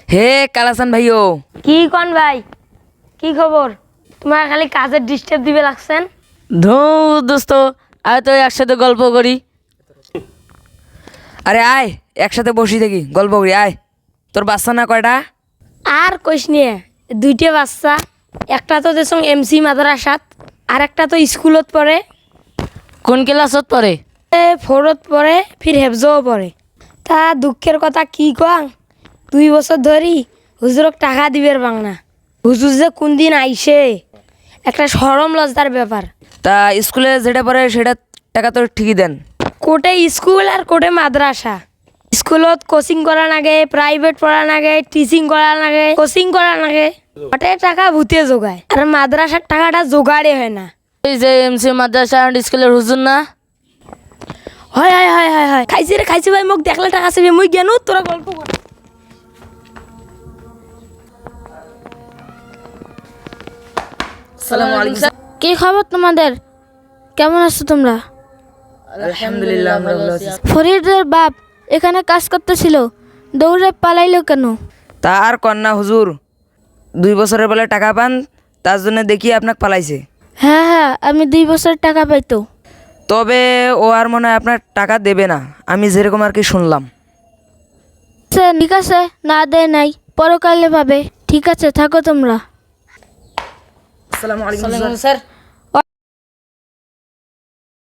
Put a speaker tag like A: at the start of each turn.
A: হে কালাসান ভাইও,
B: কি কন ভাই, কি খবর? তোমার খালি কাজের ডিস্টার্ব দিবে লাগছেন।
A: দোস্ত আয় তো একসাথে গল্প করি। আরে আয় একসাথে বসি থাকি গল্প করি আয়। তোর বাচ্চা না কয়টা?
B: আর কইস নিয়ে, দুইটা বাচ্চা। একটা তো দেশং এমসি মাদ্রাসাত, আর একটা তো স্কুলত পড়ে।
A: কোন ক্লাসত পড়ে?
B: ফোরত পড়ে, ফির হেফজও পড়ে। তা দুঃখের কথা কি কং, 2 বছর ধরি হুজুরক টাকা দিবের বাংনা। হুজুর যে কোন দিন আইসে, একটা সরম লজ্জার ব্যাপার।
A: তা স্কুলে যেটা পড়ে সেটা টাকা তো ঠিকই দেন।
B: কোটে স্কুল আর কোটে মাদ্রাসা। স্কুলত কোচিং করা লাগে, প্রাইভেট পড়া লাগে, টিচিং করা লাগে, কোচিং করা লাগে। ওটে টাকা ভূতে জোগায়, আর মাদ্রাসার টাকাটা জোগাড়ে হয় না।
A: এই যে এমসি মাদ্রাসা অ্যান্ড স্কুলের হুজুর না?
B: হয় হয় হয় হয় হয়, খাইছি রে খাইছি ভাই, মোক দেখলে টাকা চাবি, মুই জ্ঞান তোরা গল্প কর।
A: আসসালামু আলাইকুম স্যার।
C: কি খবর তোমাদের? কেমন আছো তোমরা?
A: আলহামদুলিল্লাহ আমরা ভালো আছি।
C: ফরিদের বাপ এখানে কাজ করতেছিল, দৌড়ে পালাইলো কেন?
A: তার কন্যা হুজুর 2 বছরের বেলা টাকা পান, তার জন্য দেখি আপনাকে পালাইছে।
C: হ্যাঁ হ্যাঁ, আমি 2 বছর টাকা পাইতো।
A: তবে ও আর মনে হয় আপনার টাকা দেবে না, আমি যেরকম আর কি শুনলাম।
C: আচ্ছা ঠিক আছে, না দেয় নাই, পরকালে পাবে। ঠিক আছে, থাকো তোমরা।
A: আসসালামু আলাইকুম স্যার।